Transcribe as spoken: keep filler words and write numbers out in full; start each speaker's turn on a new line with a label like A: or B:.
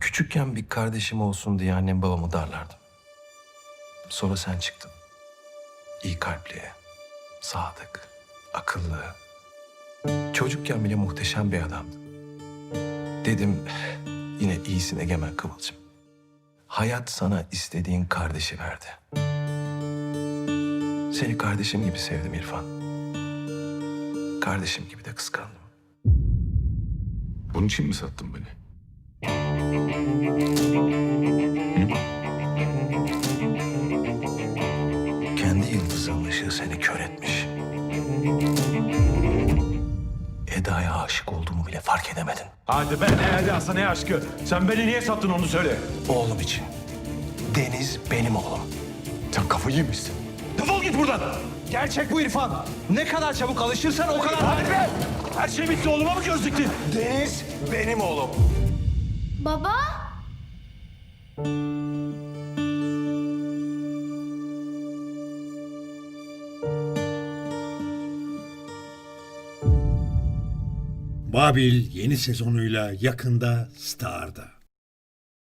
A: Küçükken bir kardeşim olsun diye annem babamı darlardım. Sonra sen çıktın. İyi kalpli, sadık, akıllı. Çocukken bile muhteşem bir adamdın. Dedim yine iyisin Egemen Kıvılcım. Hayat sana istediğin kardeşi verdi. Seni kardeşim gibi sevdim İrfan. Kardeşim gibi de kıskandım.
B: Bunun için mi sattın beni?
A: Kendi yıldızın ışığı seni kör etmiş. Eda'ya aşık olduğumu bile fark edemedin.
C: Hadi be, ne edası ne aşkı. Sen beni niye sattın onu söyle.
A: Oğlum için. Deniz benim oğlum.
C: Sen kafayı yemişsin. Defol git buradan.
D: Gerçek bu İrfan. Ne kadar çabuk alışırsan o kadar...
C: Hadi be. Her şey bitti, oğluma mı göz diktin?
A: Deniz benim oğlum.
E: Baba?
F: Babil yeni sezonuyla yakında Star'da.